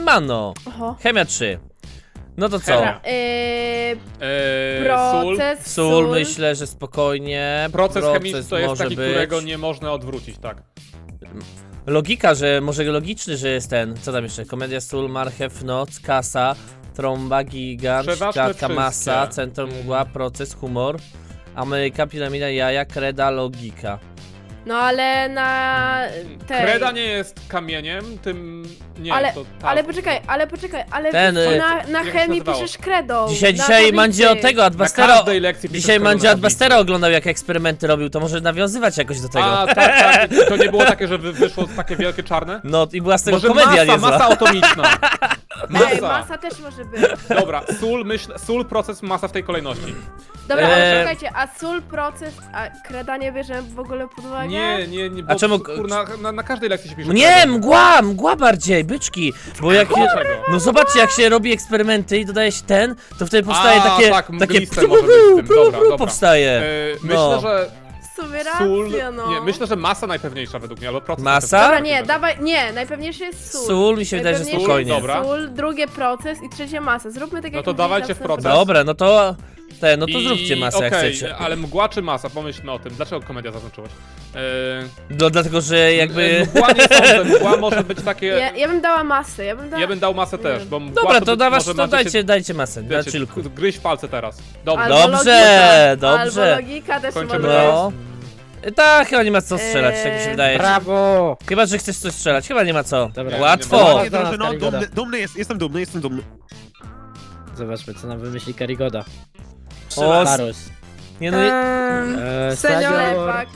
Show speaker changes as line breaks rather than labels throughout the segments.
Siemano.
Oho.
Chemia 3. No to co?
Dobra, proces,
Sól, myślę, że spokojnie.
Proces chemiczny to jest
może
taki,
być.
którego nie można odwrócić, tak.
Logika, że może logiczny, że jest ten. Co tam jeszcze? Komedia, sól, marchew, noc, kasa, trąba, gigant,
Przeważne
klatka,
wszystkie.
masa, centrum, mgła, proces, humor, Ameryka, piramida, jaja, kreda, logika.
No ale na tej...
Kreda nie jest kamieniem, tym... Nie,
Ale-
to
Ale poczekaj, ale
Ten,
na
się
chemii
nazywało?
piszesz kredą.
Dzisiaj
na tablicy.
Mandzio od tego,
Na
Adbustera.
każdej lekcji piszesz
Dzisiaj
kredą
Mandzio
na
Adbustera
tablicy.
oglądał, jak eksperymenty robił, to może nawiązywać jakoś do tego.
A, tak, to nie było takie, że wyszło takie wielkie czarne?
No i była z tego
Może
komedia niezła.
masa atomiczna.
Ej, masa też może być.
Dobra, sól, proces, masa w tej kolejności.
Dobra, ale
Eee.
czekajcie, a sól, proces, a kreda nie bierzemy w ogóle pod uwagę?
Nie, bo
A czemu-
kurna, na każdej lekcji się pisze
Nie,
kredą.
mgła bardziej, byczki. Bo jak.
Dlaczego?
No zobaczcie, jak się robi eksperymenty i dodaje się ten, to wtedy powstaje
A,
takie.
tak,
takie
mgliste może być z tym. Dobra.
powstaje.
Myślę,
No.
że
W sumie
sól...
racja, no.
Nie, myślę, że masa najpewniejsza według mnie, albo proces.
Masa?
Dobra, nie, dawaj, nie, najpewniejszy jest sól.
Sól mi się wydaje, że
Najpewniejszy
spokojnie.
jest
Dobra.
Sól, drugie proces i trzecie masa. Zróbmy tak
No
jak
to
mówili
dawajcie
na
w
samym
proces.
początku.
Dobra, no to. No to
I-
zróbcie masę jak
okej,
chcecie.
ale mgła czy masa? Pomyślmy o tym. Dlaczego komedia zaznaczyłeś?
No dlatego, że jakby.
Mgła nie sądzę, mgła może być takie...
Ja bym dała masę,
Ja bym dał masę też, bo mgła
Dobra,
to
to
być
dawasz,
może
to
macie się-
dajcie masę, na
wiecie,
chillku.
gryź palce teraz. Dobrze.
Albo
Dobrze,
logika,
dobrze.
Albo logika też
Kończymy
może
No. Tak, chyba nie ma co strzelać, tak mi się
Eee,
wydaje.
Brawo!
Chyba, że chcesz coś strzelać, chyba nie ma co.
Dobra.
Łatwo.
Nie,
Drużyno,
Karigoda.
dumny jestem dumny.
Zobaczmy, co nam wymyśli Karigoda.
O,
Larus.
nie no.
Senior.
Ślepak.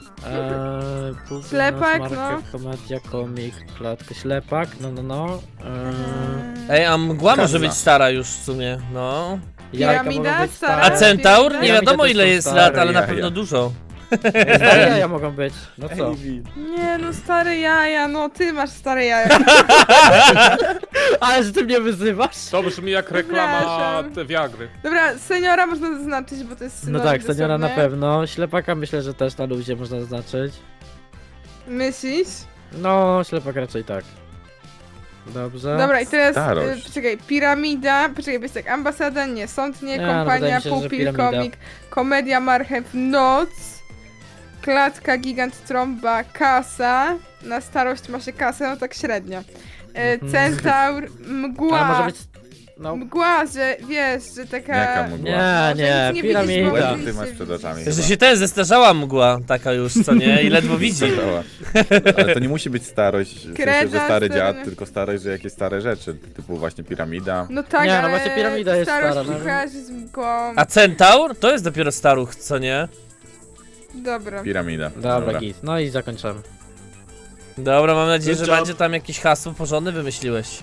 Ślepak,
no.
Komedia, komik, klatka, ślepak, no.
Ej, a mgła może być stara już w sumie, no.
Jajka
Piramida,
mogą być
stara.
A
stare.
centaur? Nie
Piramida
wiadomo
też
ile
są
jest
stare
lat, ale na
jaja.
pewno dużo.
Stare jaja mogą być, no co?
Nie no, stare jaja, no ty masz stare jaja.
Ale że ty mnie wyzywasz?
To brzmi jak reklama
Przepraszam.
te Viagry.
Dobra, seniora można zaznaczyć, bo to jest
No
synonim
tak, seniora na
dosłownie.
pewno. Ślepaka myślę, że też na luzie można zaznaczyć.
Myślisz?
No, ślepak raczej tak. Dobrze.
Dobra, i teraz,
Starość.
poczekaj, piramida, poczekaj, bo jest tak, ambasada, nie, sąd, nie,
Nie, no, wydaje
kompania,
mi się, że
pupil,
piramida.
komik, komedia, marchew, noc, klatka, gigant, trąba, kasa, na starość ma się kasę, no tak średnio. Centaur, mgła,
Ale może być... No,
mgła, że wiesz, że taka...
Jaka mgła?
nie,
Że nic nie widzisz, bo
piramida.
Oj, ty masz przed oczami
Że
chyba.
się ten zestarzała mgła taka już, co nie? I ledwo widzi.
Zdarzała. Ale to nie musi być starość, w sensie, że
Kreda,
stary
stary-
dziad, tylko starość, że jakieś stare rzeczy, typu właśnie piramida.
No tak,
Nie, no
ale
właśnie piramida jest
starość
stara,
mi
no.
kojarzy z mgłą.
A centaur? To jest dopiero staruch, co nie?
Dobra.
Piramida.
Dobra, git. No i zakończymy.
Dobra, mam nadzieję, że
Good job.
będzie tam jakieś hasło porządne wymyśliłeś.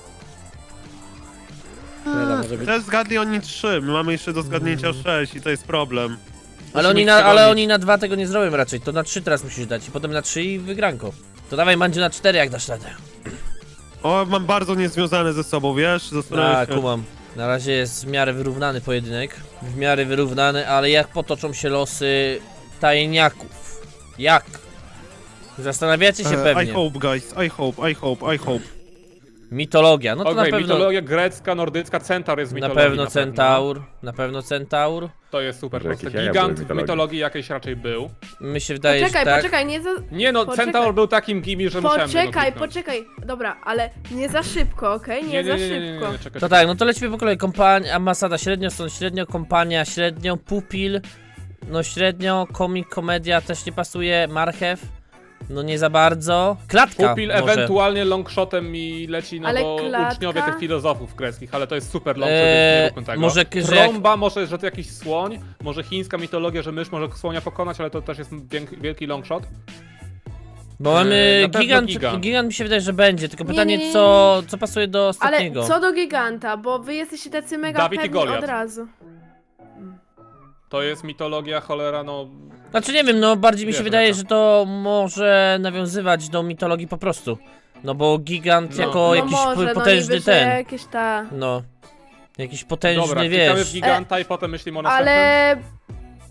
Kreda może być...
Też zgadli oni 3, my mamy jeszcze do zgadnięcia 6 i to jest problem.
Ale
Musimy
ale
przegonić.
oni na 2 tego nie zrobią raczej, to na 3 teraz musisz dać i potem na 3 i wygranko. To dawaj Mandziu na 4 jak dasz radę.
O, mam bardzo niezwiązane ze sobą, wiesz? Zastanawiam
Tak,
się.
kumam. Na razie jest w miarę wyrównany pojedynek. W miarę wyrównany, ale jak potoczą się losy tajniaków? Jak? Zastanawiacie się
I
pewnie.
hope, guys, I hope.
Mitologia, no to
Okej,
na pewno.
mitologia grecka, nordycka, centaur jest w
Na
mitologii.
pewno centaur. Na pewno centaur.
To jest super
Może
proste.
jakieś jaja
Gigant
były w
w
mitologii.
mitologii jakiejś raczej był.
Mi się wydaje, że tak.
Poczekaj, nie za...
Nie no,
Poczekaj.
centaur był takim gimi, że musiałem go kliknąć.
Poczekaj, dobra, ale nie za szybko, okej? Nie za szybko.
czekaj.
To tak, no to lecimy po kolei. Kompania, ambasada średnio, stąd średnio, kompania średnio, pupil, no średnio, komik, komedia też nie pasuje, marchew, no nie za bardzo. Klatka
Pupil
może.
ewentualnie longshotem mi leci, no
Ale
bo
klatka?
uczniowie tych filozofów greckich, ale to jest super longshot,
Eee,
więc nie róbmy tego.
może że-
Trąba, może, że to jakiś słoń, może chińska mitologia, że mysz może słonia pokonać, ale to też jest wielki longshot.
Bo mamy
na pewno
gigant,
gigant.
gigant mi się wydaje, że będzie, tylko
Nie,
pytanie
nie, nie,
co pasuje do
Ale
ostatniego.
co do giganta, bo wy jesteście tacy mega
Dawid i
pewni
Goliat.
od razu.
To jest mitologia, cholera, no...
Znaczy nie wiem, no bardziej mi się
Wiesz,
wydaje,
jaka.
że to może nawiązywać do mitologii po prostu. No bo gigant
No.
jako
No
jakiś
może,
potężny
no niby,
ten.
że jakieś ta...
No. Jakiś potężny,
Dobra, klikamy w
wiesz.
giganta i potem myślimy o następnym.
Ale...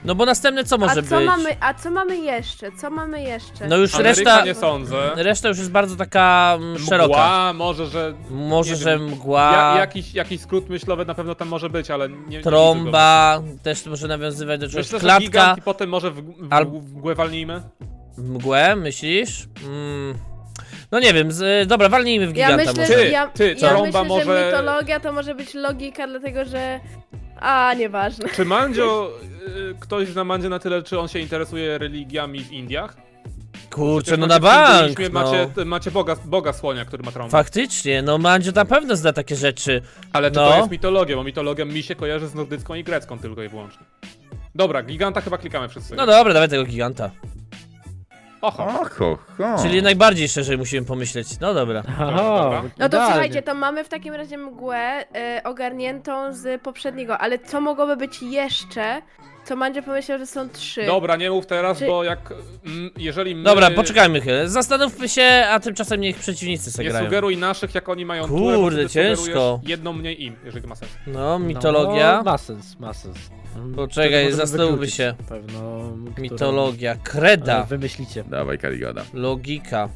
No bo następne co może być?
A co mamy jeszcze? Co mamy jeszcze?
No już
Ameryka
reszta...
nie sądzę.
Reszta już jest bardzo taka szeroka.
Mgła, może, że...
Może,
nie
że
wiem.
mgła,
Jakiś skrót myślowy na pewno tam może być, ale nie...
trąba, też może nawiązywać do
Nie
czegoś.
myślę, że
Klatka,
gigant i potem może
Al-
w mgłę walnijmy.
mgłę, myślisz? No nie wiem, dobra, walnijmy w
Ja
giganta
myślę,
może.
Ty,
ja,
ty,
ja
trąba
myślę,
może-
że mitologia to może być logika, dlatego że... nieważne.
Czy Mandzio... ktoś zna Mandzio na tyle, czy on się interesuje religiami w Indiach?
Kurczę,
Przecież
no
macie
na
w
bank,
hinduizmie,
no.
macie boga słonia, który ma trąbę.
Faktycznie, no Mandzio na pewno zna takie rzeczy.
Ale czy
No.
to jest mitologia? Bo mitologia mi się kojarzy z nordycką i grecką tylko i wyłącznie. Dobra, giganta chyba klikamy wszyscy.
No dobra, dawaj tego giganta.
Oho.
Oho, ho.
Czyli najbardziej szerzej musimy pomyśleć. No dobra.
dobra.
Aha,
No to
idealnie.
słuchajcie, to mamy w takim razie mgłę ogarniętą z poprzedniego, ale co mogłoby być jeszcze? Co Mandzio pomyślał, że są 3.
Dobra, nie mów teraz,
Czy-
bo jeżeli my...
Dobra, poczekajmy chwilę. Zastanówmy się, a tymczasem niech przeciwnicy
Nie
sobie grają.
sugeruj naszych, jak oni mają
Kurde,
turę, bo ty
ciężko.
sugerujesz jedną mniej im, jeżeli to ma sens.
No, mitologia.
No, ma sens, ma sens.
Poczekaj,
Wtedy możemy
zastanówmy
wykluczyć
się.
Pewno, którą-
Mitologia, kreda,
Ale wymyślicie.
Dawaj, Karigoda.
logika.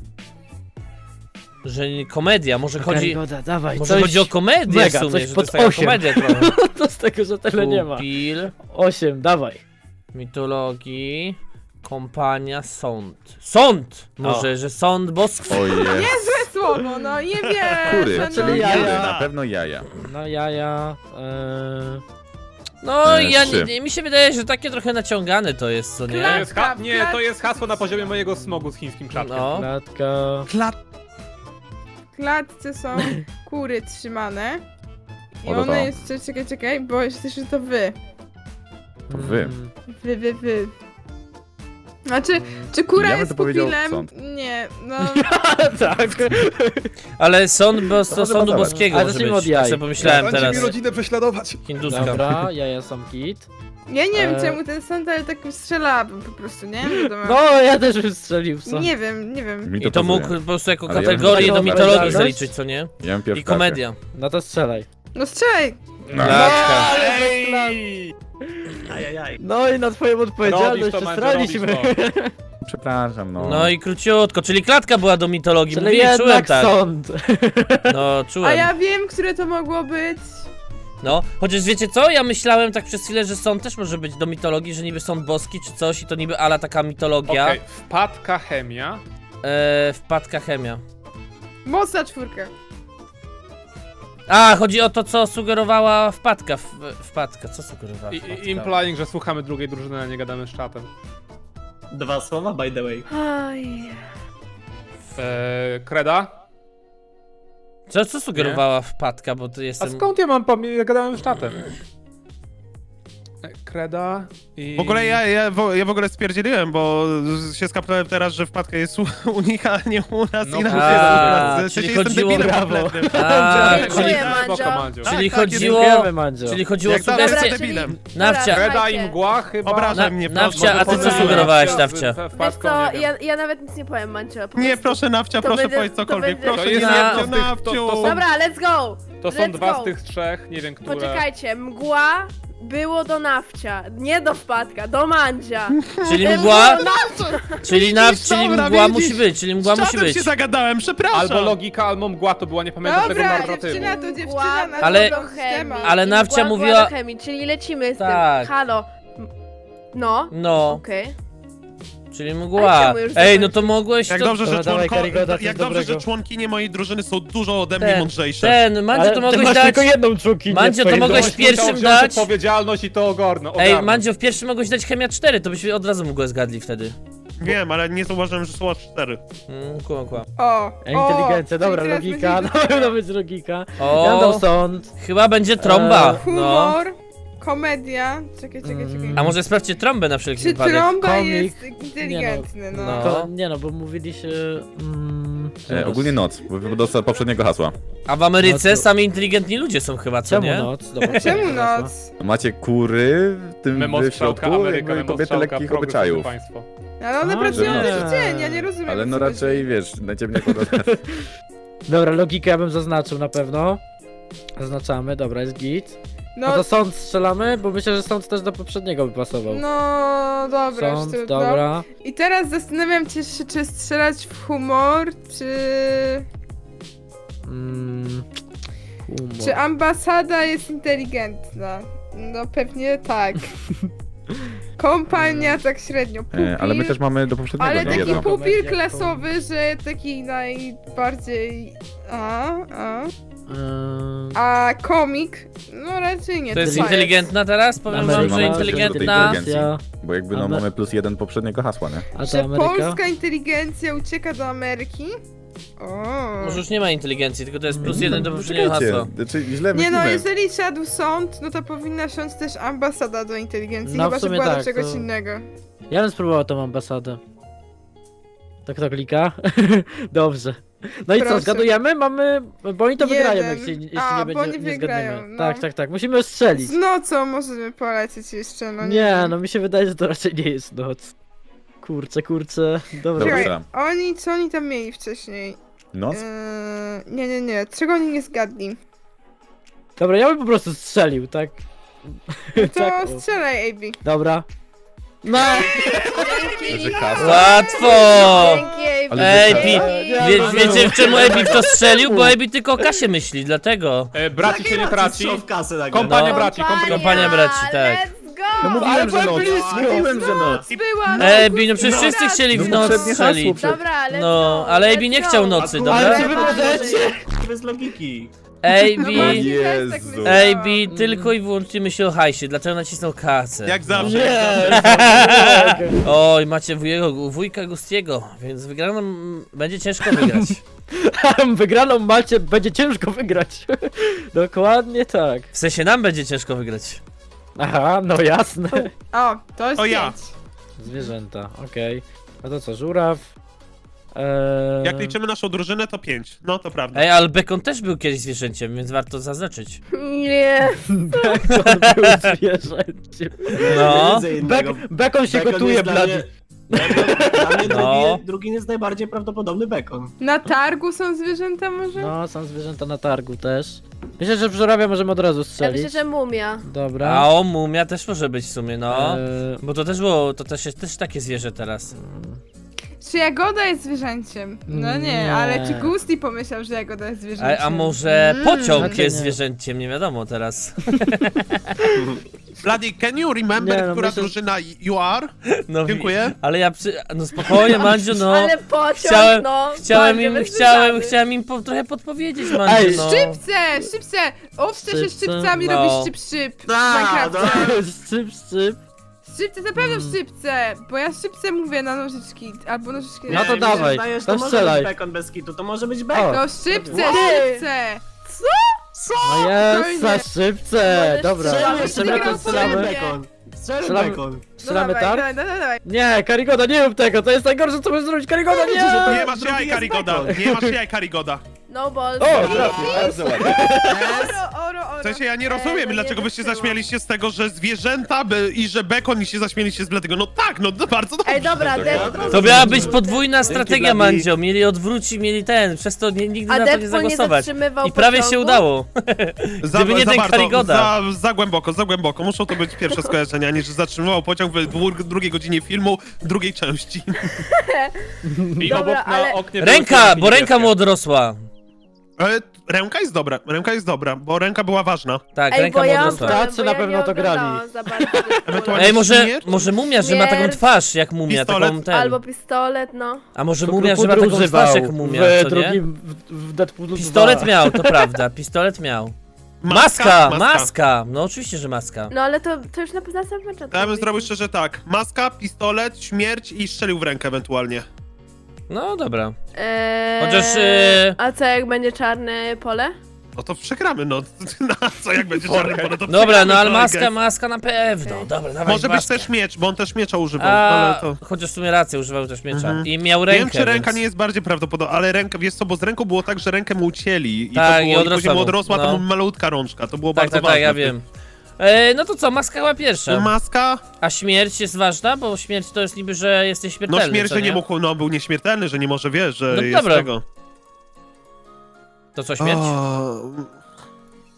Że nie komedia, może chodzi...
Karygoda, dawaj,
Może
coś
chodzi o komedię
mega,
w sumie,
coś
że to
pod
jest taka
8.
komedia trochę.
to z tego, że tyle nie ma.
Pupil,
8, dawaj.
mitologii, kompania, sąd. Sąd! Może, że sąd boski.
Oje.
Złe słowo, no nie wiem.
Kury,
no,
czyli
no,
jaja.
na pewno jaja.
No jaja,
No ja
trzy.
mi się wydaje, że takie trochę naciągane to jest, co nie?
To
Klatka,
jest nie, to jest hasło na poziomie mojego smogu z chińskim czapkiem.
No.
klatka.
W klatce są kury trzymane. I
O, to
one
to.
jest... Czekaj, bo jeszcze że to wy.
To wy.
Wy. Znaczy, czy kura
Ja bym
jest
to powiedział
pupilem?
sąd.
Nie, no...
tak.
Ale sąd do
może
sądu
pasować.
boskiego
Ale
może
zacznijmy
być.
od jaj.
Tak sobie pomyślałem teraz.
rodzinę prześladować.
Hinduska.
Dobra, jaja są kit.
Ja nie wiem
E.
czemu ten sąd, ale tak strzelałabym po prostu, nie? Wiadomo.
No, ja też bym strzelił w co.
Nie wiem.
Mi
I to mógł
pasuje.
po prostu jako
Ale ja bym
kategorię do
powiedział
mitologii
odpowiedzialność.
zaliczyć, co nie?
Ja bym pierwszy
I komedia.
No to strzelaj.
No strzelaj!
Klatka.
Ej!
No i na twoją odpowiedzialność
Robisz to, Mandzio,
przestraliśmy.
robisz
Przepraszam, no.
No i króciutko, czyli klatka była do mitologii,
Czyli
mówię, czułem
jednak
tak.
sąd.
No,
A
czułem.
ja wiem, które to mogło być.
No, chociaż wiecie co, ja myślałem tak przez chwilę, że sąd też może być do mitologii, że niby sąd boski czy coś i to niby ala taka mitologia.
Okej, wpadka chemia.
Wpadka chemia.
Mocna czwórka.
A, chodzi o to, co sugerowała wpadka. Wpadka, co sugerowała wpadka?
Implying, że słuchamy drugiej drużyny, a nie gadamy z czatem.
2 słowa, by the way.
Oj.
Kreda?
Co sugerowała wpadka, bo to
A
jestem...
skąd ja mam ja gadałem z czatem. Kreda i...
W ogóle ja w ogóle stwierdziłem, bo się skapnąłem teraz, że wpadka jest u nich, a nie u nas
No
i nam
a,
się
czyli
jestem
chodziło-
debilem
Brawo.
kompletnym.
A,
Dziękuję,
czyli,
Mandzio.
Mandzio.
czyli
Tak,
chodziło...
Dziękujemy, Mandzio.
Czyli chodziło o
Jak zawsze
sugestie...
jestem debilem.
Nawcia,
Dobra,
Kreda i
słuchajcie.
mgła chyba...
Obrażaj mnie,
Nawcia,
proszę.
a ty co
Może
sugerowałaś,
z
Nawcia?
Wiesz
wpadką,
co,
nie wiem.
ja nawet nic nie powiem, Mancio. Po
Nie,
prostu-
proszę Nawcia,
to
proszę
będzie-
powiedz
to
cokolwiek.
będzie-
Proszę
To
nie
jest
Nawciu,
jedno z tych-
Nawciu.
to są-
Dobra, let's go!
To są
Let's
dwa
go.
z tych trzech, nie wiem, które...
Poczekajcie, mgła było do Nawcia, nie do wpadka, do Mandzia.
Czyli mgła...
No,
Czyli
Dobra,
mgła
widzisz?
musi być, czyli mgła
Z
musi
czatem
być.
się zagadałem, przepraszam.
Albo logika, albo mgła to była, nie pamiętam tego
Dobra,
narratywu.
dziewczyna to dziewczyna
Mgła
na
Ale-
to
do chemii.
temat.
Ale
I
Nawcia
mgła
mówiła-
była do chemii, czyli lecimy z
Tak.
tym. Halo. No,
No,
okej.
czyli
Ale
mgła.
czemu już
Ej, no
zakończyć?
to mogłeś
Jak
to...
dobrze, że
Dobra, dawaj, Karygoda, coś
jak dobrze, że
dobrego.
członkinie mojej drużyny są dużo ode mnie
Ten,
mądrzejsze.
Mandzio,
Ale
to
ty
mogłeś
masz
dać...
tylko jedną członkinię
Mandzio,
w
to
twojej
mogłeś
domu.
pierwszym
Musiał wziąć
dać-
odpowiedzialność i to ogarnąć.
Ej, Mandzio, w pierwszym mogłeś dać chemia 4, to byśmy od razu mgłę zgadli wtedy.
Wiem, ale nie zauważyłem, że są aż 4.
Kłam.
O,
Inteligencja, dobra,
czyli teraz
logika,
będzie
na pewno być logika. Ja
O,
dam sąd.
chyba będzie trąba, no.
humor, komedia. Czekaj.
A może sprawdźcie trąbę na wszelki
Czy
wypadek.
trąba
Komik.
jest inteligentny, no.
No.
To, nie no, bo mówiliście...
Ogólnie noc, bo do poprzedniego hasła.
A w Ameryce
No to-
sami inteligentni ludzie są chyba, co
Czemu
nie?
noc? Dobra,
Czemu
dobra.
noc?
Macie kury w tym w
Memostrzałka,
środku,
Ameryka,
jakby kobiety
memostrzałka,
lekkich
progresywne
obyczajów.
państwo.
Ale one
A,
pracują
że
też
nie.
w dzień, ja nie rozumiem.
Ale
o
no
co
raczej,
chodzi.
wiesz, najciemniej podane.
Dobra, logikę ja bym zaznaczył na pewno. Zaznaczamy, dobra, jest git. No to sąd strzelamy, bo myślę, że sąd też do poprzedniego by pasował.
No dobra, już
Sąd,
trudno.
dobra.
I teraz zastanawiam się, czy strzelać w humor,
Humor.
czy ambasada jest inteligentna. No pewnie tak. Kompania tak średnio. Pupil,
Ale my też mamy do poprzedniego
ale
nie
taki
jedno.
pupil
Komedia,
klasowy, że taki najbardziej... A komik? No raczej nie.
To jest
co
inteligentna teraz? Powiem wam,
Ameryka
że
ma też do tej
inteligentna.
inteligencji. Bo jakby no mamy +1 poprzedniego hasła, nie?
A to
Że
Ameryka?
polska inteligencja ucieka do Ameryki? O.
Może już nie ma inteligencji, tylko to jest +1 do poprzedniego
Czekajcie,
hasła.
znaczy źle
Nie no,
myślimy.
jeżeli siadł sąd, no to powinna siąść też ambasada do inteligencji,
No, w
chyba że
sumie
była do
tak,
czegoś
to-
innego.
Ja bym spróbował tą ambasadę. Tak to klika? Dobrze. No i co,
Proszę.
zgadujemy? Mamy... Bo oni to wygrają,
Jeden.
jeśli
A,
nie
bo
będzie,
oni
nie
wygrają,
zgadniemy.
no.
Tak, tak, tak. Musimy strzelić.
Z nocą możemy polecieć jeszcze, no
Nie,
wiem.
no mi się wydaje, że to raczej nie jest noc. Kurczę. Dobra.
Dobra.
Czekaj, co oni tam mieli wcześniej?
Noc?
Nie. Czego oni nie zgadli?
Dobra, ja bym po prostu strzelił, tak?
No to
Tak, o.
strzelaj, AB.
Dobra. No!
Że kasa.
Łatwo!
Dzięki,
Ale
Ej,
że
Pi,
kasa.
wiecie czemu Ebi w to strzelił? Bo Ebi tylko o kasie myśli, dlatego.
Braci się nie traci.
Strzał w kasę nagle.
Kompania
No.
braci,
Kompania braci, tak.
Let's go!
No mówiłem, że noc. Mówiłem, że noc.
Była, no,
Ebi, no przecież wszyscy chcieli w
No
noc
poprzednie
strzelić.
hasło
Dobra, let's
No,
go,
ale
let's
Ebi nie
go.
chciał nocy,
Ale
dobra?
czy wy możecie?
Bez logiki.
No
Ebi,
właśnie, też tak
Jezu.
myślałam.
Ebi tylko i wyłącznie myśli o hajsie, dlatego nacisnął kasę.
Jak zawsze.
Nie!
Oj, macie wujka Gustiego, więc wygraną będzie ciężko wygrać.
Wygraną macie, będzie ciężko wygrać. Dokładnie tak.
W sensie nam będzie ciężko wygrać.
Aha, no jasne.
O, to jest
To ja.
5.
Zwierzęta, okej. A to co, żuraw?
Jak liczymy naszą drużynę, to 5. No to prawda.
Ej, ale Bekon też był kiedyś zwierzęciem, więc warto zaznaczyć.
Nie.
Bekon był zwierzęciem.
No.
Widzę innego.
Bekon się
Bekon
gotuje,
jest dla
blady.
mnie- Dla mnie
No.
drugi jest najbardziej prawdopodobny bekon.
Na targu są zwierzęta może?
No, są zwierzęta na targu też. Myślę, że w żurawia możemy od razu
Ja
strzelić.
myślę, że mumia.
Dobra.
A o, mumia też może być w sumie, no.
Eee,
Bo to też było, to też jest też takie zwierzę teraz.
Czy Jagoda jest zwierzęciem? No nie,
Nie.
ale czy Gusti pomyślał, że Jagoda jest zwierzęciem?
A może pociąg
Znaczy
jest
nie.
zwierzęciem, nie wiadomo teraz.
Bloody, can you remember,
Nie, no
która
myślę-
drużyna you are?
No,
Dziękuję.
Ale ja no spokojnie, Mandziu, no.
Ale pociąg,
Chciałem-
no.
Chciałem im trochę podpowiedzieć, Mandziu,
Ej,
no.
Szczypce! Owce się
Szczypce?
szczypcami
No.
robi szczyp w Minecrafcie.
Szczyp.
Szczypce, na pewno szczypce, bo ja szczypce mówię na nożyczki, albo nożyczki
No to
mi się
dawaj,
wydaje, że
to
to może
strzelaj.
być bekon bez kitu, to może być bekon.
O.
No szczypce,
Wow.
szczypce!
No jest,
Spokojnie.
za szczypce.
Możesz
Dobra,
strzelać,
jeszcze
wygrał
to
strzelamy.
strzelamy.
bekon. Strzelmy
Strzelamy.
bekon.
Strzelamy
No
tak?
dawaj.
Nie, Karigoda, nie rób tego, to jest najgorsze, co możesz zrobić, Karigoda, nie!
Nie masz jaj, Karigoda. Nie masz jaj, Karigoda.
No balls.
O, trafił.
Bardzo ładnie.
Oro.
W sensie ja nie rozumiem,
no
dlaczego
nie
byście
wyszło.
zaśmialiście z tego, że zwierzęta i że bekon i się zaśmieliście z Bladego. No tak, no bardzo dobrze.
Ej, dobra,
To miała być podwójna strategia,
Bladi.
Mandzio. Mieli odwrócić, mieli przez to nigdy
A
na to nie
Deadpool nie
zagłosować.
zatrzymywał
I prawie
pociągu?
się udało. Gdyby nie ten
bardzo,
Karigoda.
za głęboko. Muszą to być pierwsze skojarzenia, niż zatrzymywał pociąg w drugiej godzinie filmu, drugiej części.
I
Dobra,
obok na
ale-
oknie były
Ręka,
kwiatki
bo ręka
niebieskie.
mu odrosła.
Ale ręka jest dobra, bo ręka była ważna.
Tak,
Ej,
ręka
bo
mu
ja
odrosła.
Tacy
bo
na
ja
pewno
nie
to grali.
oglądałam za bardzo
Ewentualnie
Ej, może
śmierć?
mumia, że ma taką
Śmierć.
twarz jak mumia,
Pistolet.
taką ten.
Albo pistolet, no.
A może
To
mumia, że ma
Krupudr
taką
używał
twarz jak mumia,
w
co nie?
drugim, w Deadpoolu 2.
Pistolet miał, to prawda, pistolet miał. Maska! No oczywiście, że maska.
No ale to już na samym początku.
To ja bym zrobił szczerze tak. Maska, pistolet, śmierć i strzelił w rękę ewentualnie.
No dobra.
Eee,
Chociaż,
A co jak będzie czarne pole?
No to przegramy, no. Na co, jak będzie czarny pole, to
Dobra,
przegramy,
no ale
kolegę.
maska na pewno. Dobra, dawaj
Może być
maskę.
też miecz, bo on też miecza używał,
A,
ale to...
chociaż w sumie rację, używał też miecza.
Mhm.
I miał rękę,
Wiem, czy ręka
więc...
nie jest bardziej prawdopodobna, ale ręka, wiesz co, bo z ręką było tak, że rękę mu ucięli i
Tak,
to
i
było,
odrosła
później mu
mu,
odrosła,
no.
to mu malutka rączka, to było
Tak,
bardzo
tak,
ważne.
tak, ja wiem. No to co, maska chyba pierwsza.
Maska,
A śmierć jest ważna? Bo śmierć to jest niby, że jesteś śmiertelny,
no śmierć,
co
że nie mógł, no był nieśmiertelny, że nie może, wiesz, że
No
jest
dobra.
tego.
To co, śmierć?
O,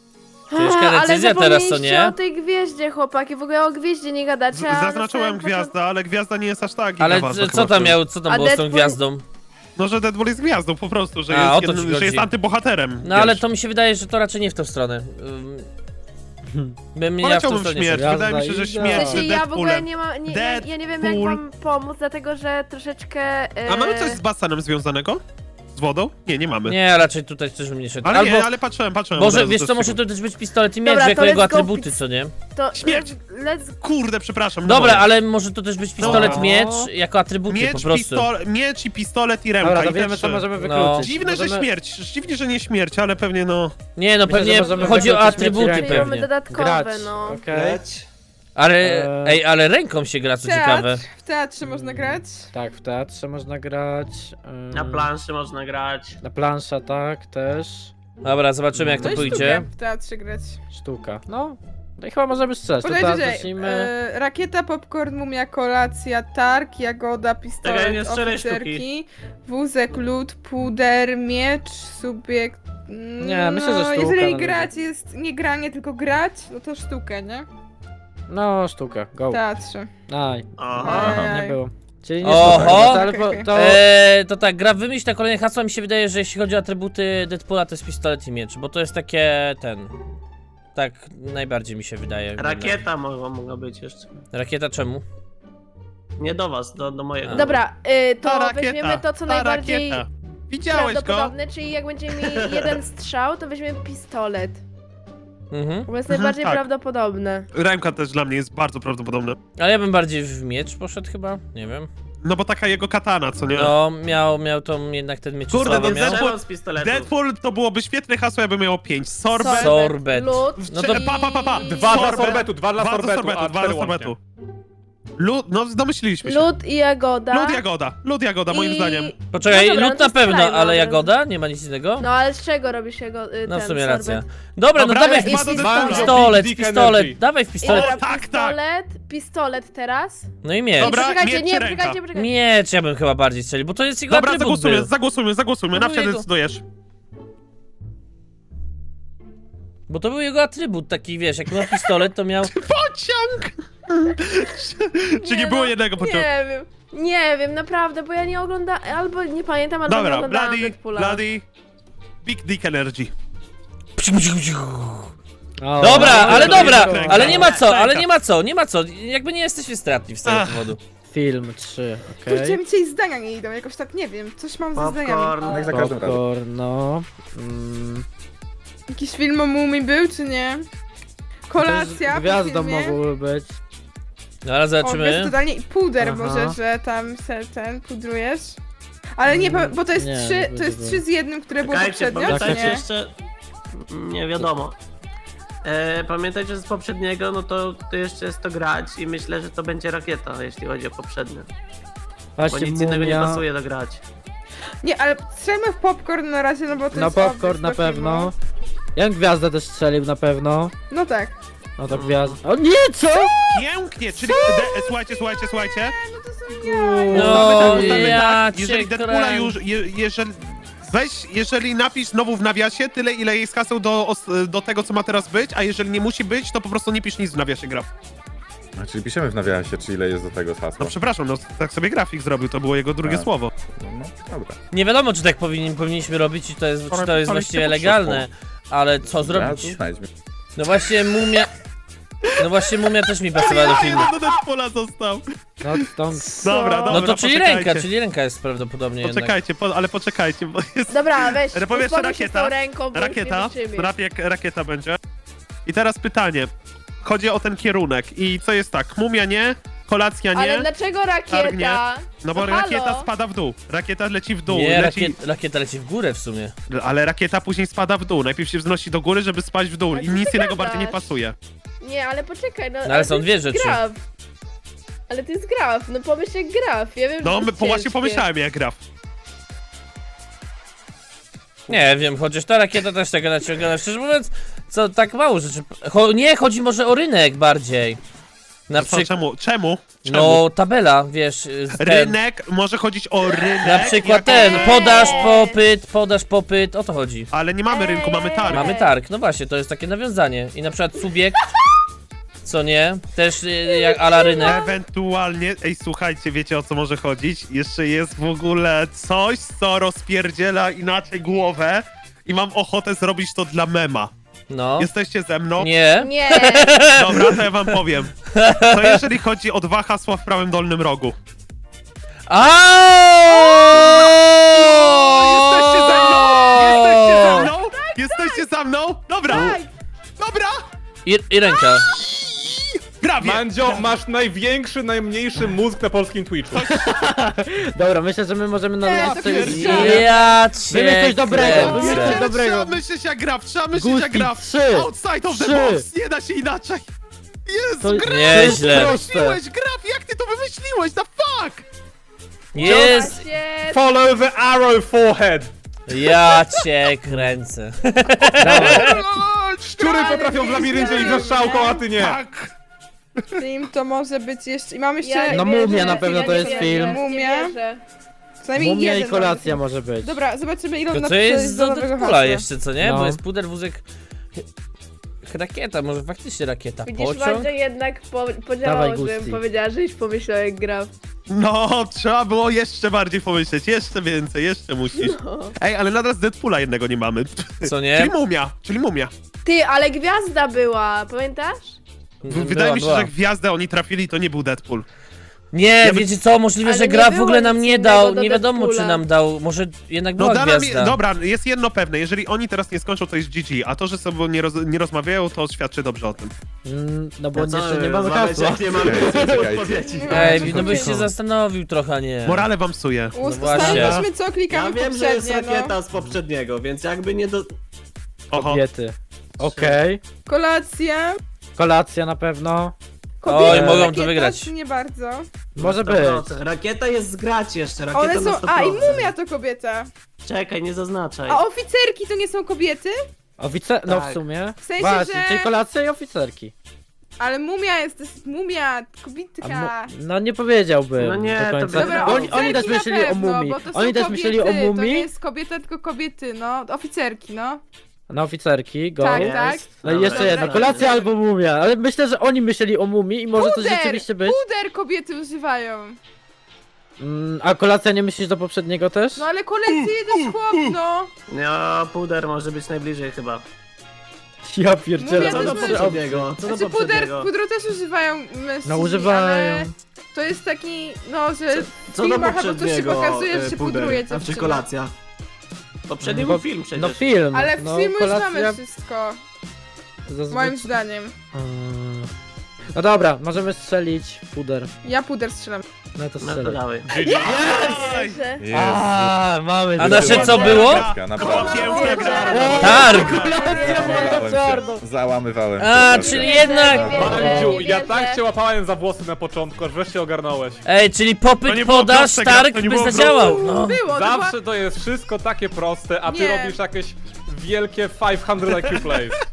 Ciężka
Ale
decyzja teraz, co
zapomnieliście
nie?
o tej gwieździe, chłopaki, w ogóle o gwieździe nie gadacie, a
Zaznaczyłem
na samym
gwiazdę, ale gwiazda nie jest aż tak
Ale
gigaważna
co
chyba w
tam
tym.
miał, co tam
A
było z tą
Deadpool-
gwiazdą?
No, że Deadpool jest gwiazdą po prostu, że,
A, o to
jest,
ci
że
chodzi.
jest antybohaterem.
No ale
wiesz.
to mi się wydaje, że to raczej nie w tą stronę. Bym ja w tą
Poleciałbym w
stronę
śmierć,
Gwiazda
wydaje mi się, że
i-
śmierć
W
z
sensie ja w ogóle
Deadpoolem.
nie mam, ja nie wiem jak
Deadpool.
wam pomóc, dlatego że troszeczkę...
A mamy coś z basenem związanego? Z wodą? Nie, nie mamy.
Nie, raczej tutaj też bym nie szedł.
Ale
Albo,
nie, ale patrzyłem.
może
od razu
wiesz
też
co, może
tego.
to też być pistolet i miecz
Dobra,
jako
to
jego
let's go
atrybuty,
pic-
co nie?
To
Śmierć.
let's...
Kurde, przepraszam.
Dobra,
moje.
ale może to też być pistolet,
No.
miecz jako atrybuty po
Miecz,
prostu.
miecz i pistolet i remka.
Dobra,
i
to
te
wiemy,
trzy.
co możemy
No.
wykluczyć.
Dziwne, że
Możemy-
śmierć. Dziwnie, że nie śmierć, ale pewnie no...
Nie, no
Myślę, że
pewnie
możemy
chodzi o
wykluczyć
atrybuty
mieć
Czyli
rękę.
mamy dodatkowe,
Grać,
no.
okej?
Ale,
Eee.
ale ręką się gra, co ciekawe.
Teatr. W teatrze można grać.
Tak, w teatrze można grać.
Na planszy można grać.
Na plansza, tak, też.
Dobra, zobaczymy jak
No
to
i
pójdzie.
sztukę w teatrze grać.
Sztuka. No i chyba możemy strzelać. To
Podajcie,
teraz
że
zacznijmy.
rakieta, popcorn, mumia, kolacja, targ, jagoda,
Czekaj,
pistolet,
nie strzelaj
oficerki, wózek, lód, puder, miecz, subiekt...
Nie, myślę, że sztuka
jeżeli
na
grać jest nie granie, tylko grać, no to sztukę, nie?
No, sztuka, go.
W teatrze.
Aj,
Aha.
Ajaj.
nie było. Czyli nie
Oho!
sztuka, no, ale
Okej,
to...
To tak, gra wymyśl na kolejne hasła, mi się wydaje, że jeśli chodzi o atrybuty Deadpoola, to jest pistolet i miecz, bo to jest takie, tak najbardziej mi się wydaje.
Rakieta mogła być jeszcze.
Rakieta czemu?
Nie do was, do mojego.
A.
Dobra,
Ta
to
rakieta,
weźmiemy to, co
ta
najbardziej
rakieta. Widziałeś go?
prawdopodobne, czyli jak będziemy mieli jeden strzał, to weźmiemy pistolet,
Mhm.
bo jest najbardziej
tak.
prawdopodobne.
Remka też dla mnie jest bardzo prawdopodobne.
Ale ja bym bardziej w miecz poszedł chyba, nie wiem.
No bo taka jego katana, co nie?
No, miał tą jednak ten miecz
Kurde,
słaby
no
miał.
Strzelam z pistoletu.
Deadpool to byłoby świetne hasło, jakby miało 5. Sorbet.
Sorbet.
Lód,
No to-
Pa.
Dwa dla
Sorbet.
sorbetu, dwa dla sorbetu, a
dwa
cztery
dla sorbetu.
łącznie.
Lód, no domyśliliśmy się.
lód i jagoda.
Lód jagoda, moim
I-
zdaniem.
Poczekaj,
No dobra,
lód
no
na
to
pewno,
strzelajmy
ale
od
jagoda? Nie ma nic innego?
No ale z czego robisz jego
No w
ten
sumie
sorbet?
racja. Dobra, no
Dobra,
dawaj
jest
w
dwa do
pistolet,
Dick
pistolet,
Energy.
dawaj w pistolet.
Dobra,
tak,
pistolet teraz.
No i miecz.
Dobra,
Poczekajcie,
miecz
nie,
czy ręka?
poczekajcie.
Miecz ja bym chyba bardziej strzelił, bo to jest jego
Dobra,
atrybut był.
zagłosujmy,
No
na wsiadę
jego-
decydujesz.
Bo to był jego atrybut taki, wiesz, jak miał pistolet, to miał...
Pociąg! Czy nie było jednego pociągu?
Nie wiem, naprawdę, bo ja nie oglądam, albo nie pamiętam, albo nie
Dobra,
oglądałam Deadpoola.
Bloody, Big Dick Energy.
O,
Dobra,
no,
ale
dobra,
dobra,
ręka.
ale nie ma co, ale
Ręka.
nie ma co. Jakby nie jesteśmy stratni z tego
Ach.
powodu.
Film 3,
Kurczę,
okej.
mi dzisiaj zdania nie idą, jakoś tak nie wiem, coś mam ze zdaniami.
Popcorn.
Jak za każdym razem.
Popcorn, no.
Jakiś film o Mumii był, czy nie? Kolacja po
Gwiazdą
filmie.
mogłyby być.
No ale
O,
zobaczymy.
jest totalnie i puder
Aha.
może, że tam se ten pudrujesz. Ale nie, bo to jest
Nie,
trzy,
nie
to jest
będzie
3 z 1, które było
Czekajcie,
poprzednio, czy
pamiętajcie
nie?
jeszcze... Nie wiadomo. Pamiętajcie, że z poprzedniego, no to jeszcze jest to grać i myślę, że to będzie rakieta, jeśli chodzi o poprzednie. Bo
Właśnie
nic innego nie
mumia.
pasuje do grać.
Nie, ale strzelmy w popcorn na razie, no bo to
Na
jest
popcorn
obvious
na
do
pewno.
filmu.
Ja bym gwiazdę też strzelił na pewno.
No tak.
No to gwiazda. O nie, co?
Pięknie, czyli... Słuchajcie.
No to są jaja.
No,
Ustawmy
ja
tak,
cię
jeżeli Deadpoola
kręcę.
już... Jeżeli napisz znowu w nawiasie tyle, ile jest haseł do tego, co ma teraz być, a jeżeli nie musi być, to po prostu nie pisz nic w nawiasie gra.
A, czyli piszemy w nawiasie, czy ile jest do tego
No
hasła.
przepraszam, no tak sobie grafik zrobił, to było jego drugie
Tak.
słowo.
No, dobra.
Nie wiadomo, czy tak powinniśmy robić i to jest, czy to jest
Ale
właściwie
się
legalne, ale co zrobić?
Znajdźmy.
No właśnie mumia też mi pasowała do filmu.
do Deadpoola został.
No stąd.
Dobra,
No to czyli
poczekajcie.
ręka jest prawdopodobnie jednak.
Poczekajcie, ale poczekajcie, bo jest...
Dobra, weź,
Ale powiesz,
uspokój się z
rakieta,
tą ręką, bo
Rakieta,
już nie wytrzymiesz.
rap jak rakieta będzie. I teraz pytanie. Chodzi o ten kierunek i co jest tak, mumia nie, kolacja nie,
Ale dlaczego
targ nie.
rakieta?
No bo
halo?
rakieta spada w dół, rakieta leci w dół,
Nie,
leci...
rakieta leci w górę w sumie.
Ale rakieta później spada w dół, najpierw się wznosi do góry, żeby spaść w dół
Ale
i
co
nic
ty
innego
gadasz?
bardziej nie pasuje.
Nie, ale poczekaj, no
ale są
to
dwie
jest
rzeczy.
Graf. Ale to jest graf, no pomyśl jak graf, ja wiem,
No,
że to jest
właśnie
ciężkie.
pomyślałem jak graf.
Nie wiem, chociaż ta rakieta też taka naciągana. Szczerze mówiąc, co tak mało rzeczy. Nie, chodzi może o rynek bardziej. Na
Co,
przykład,
czemu?
no tabela, wiesz, ten,
Rynek, może chodzić o rynek.
na przykład
jako-
ten, podaż, popyt, o to chodzi.
Ale nie mamy rynku, mamy targ.
Mamy targ, no właśnie, to jest takie nawiązanie. I na przykład subiekt, co nie, też jak ala rynek.
Ewentualnie, ej słuchajcie, wiecie o co może chodzić? Jeszcze jest w ogóle coś, co rozpierdziela inaczej głowę i mam ochotę zrobić to dla mema.
No,
Jesteście ze mną?
nie,
Nie.
Dobra, to ja wam powiem. To jeżeli chodzi o 2 hasła w prawym dolnym rogu. Jesteście ze mną? Jesteście ze mną? Jesteście za mną? Dobra! Dobra!
I ręka.
Prawie!
Mandzio, masz największy, najmniejszy mózg na polskim Twitchu.
Dobra, myślę, że my możemy na
Ja
listy...
pierdzielę.
Ja cię
Wymyśl coś dobrego,
kręcę.
wymyśl coś
Trzeba
dobrego.
myśleć jak gra, trzeba myśleć jak
Gusti,
gra.
3,
Outside of the
3.
box, nie da się inaczej. Jezu,
To-
Graf,
Nieźle.
wymyśliłeś, Graf, jak ty to wymyśliłeś, the fuck?
Jest,
Właśnie.
Follow the arrow forehead.
ja cię kręcę.
Szczury potrafią w labiryncie i za strzałką, a ty nie.
Tak.
Film to może być jeszcze... I mam jeszcze
Ja nie
No
wierzę,
Mumia na pewno
ja
to
nie
jest
wierzę,
film.
nie
Mumia.
wierzę.
co najmniej
Mumia i
jeden
kolacja
nowy
może być.
film. Dobra, zobaczymy ile on
To co
napisze
jest
do
do
nowego
Deadpoola
hasła.
jeszcze, co nie?
No.
Bo jest puder, wózek... Rakieta, może faktycznie rakieta.
Widzisz,
Pociąg?
Mandzio jednak podziałało,
Dawaj,
żebym
Gusti.
powiedziała, żeś pomyślał jak gra.
No, trzeba było jeszcze bardziej pomyśleć, jeszcze więcej, jeszcze musisz. Ej, ale nadal z Deadpoola jednego nie mamy.
Co nie?
Czyli mumia.
Ty, ale gwiazda była, pamiętasz?
Wydaje mi się,
Była.
że gwiazdę oni trafili, to nie był Deadpool.
Nie,
Ja by-
wiecie co, możliwe,
Ale
że
nie
gra w
było
ogóle nam
nic
nie
innego
dał,
do
nie wiadomo czy
Deadpoola.
nam dał, może jednak
No
była
da nam,
gwiazda.
dobra, jest jedno pewne, jeżeli oni teraz nie skończą, to jest GG, a to, że sobie nie rozmawiają, to świadczy dobrze o tym.
No bo jeszcze nie mamy hasła.
Nie mamy
Czekajcie.
Ej, no byś się zastanowił trochę, a nie.
Morale wam psuje.
Ustaliliśmy co
Ja
klikamy
wiem, że jest
poprzednie, no.
rakieta z poprzedniego, więc jakby nie do...
Oho.
Kobiety. Okej.
Kolacja.
Kolacja na pewno.
Kobiety,
Oj, mogą to
rakieta,
wygrać.
czy nie bardzo.
Może być.
100%. Rakieta jest zgrać jeszcze, rakieta
One
na
są...
100%.
A, i mumia to kobieta.
Czekaj, nie zaznaczaj.
A oficerki to nie są kobiety?
No w
Tak.
sumie.
W sensie,
Właśnie,
że-
czyli kolacja i oficerki.
Ale mumia jest, to jest mumia,
A
kobitka.
no nie powiedziałbym
No nie,
do
to
końca.
Dobra,
Bo
oficerki
oni też
na
myśleli o
pewno,
mumii.
bo to są
Oni też
kobiety,
myśleli o
To nie
mumii.
jest kobieta, tylko kobiety, no. Oficerki, no.
Na oficerki, go.
Tak,
Jest.
tak.
No i
Dobra,
jeszcze jedno,
dobra.
kolacja albo mumia. Ale myślę, że oni myśleli o mumii i może to rzeczywiście być.
Puder kobiety używają.
A kolacja nie myślisz do poprzedniego też?
No ale kolekcje też chłop, no.
No, puder może być najbliżej chyba.
Ja pierdzielę.
Mówię,
Co
to
do
jest-
poprzedniego? Co do
Znaczy
poprzedniego?
pudru też używają mężczyźni,
No używają.
ale to jest taki, no, że w
Co do
filmach albo coś się
poprzedniego
pokazuje, że się
puder,
pudruje
a czy
dziewczyna.
kolacja? Poprzedni
No,
był film przecież.
No film.
Ale w
no,
filmu już
kolacja
mamy wszystko,
zazwyczaj-
moim zdaniem.
No dobra, możemy strzelić puder.
Ja puder strzelam.
No to
No to
strzelaj.
dawaj.
Że...
Mamy
A nasze co było?
Naprawdę.
Piękna gra.
Targ!
Załamywałem się.
A,
proszę.
czyli jednak...
Mandziu,
nie
ja
wierzę.
tak cię łapałem za włosy na początku, aż wreszcie ogarnąłeś.
Ej, czyli
To
popyt,
nie było
podaż,
proste,
targ
to nie
by
było
zadziałał. No.
Było, to
Zawsze to jest wszystko takie proste, a ty
Nie.
robisz jakieś wielkie 500 IQ plays.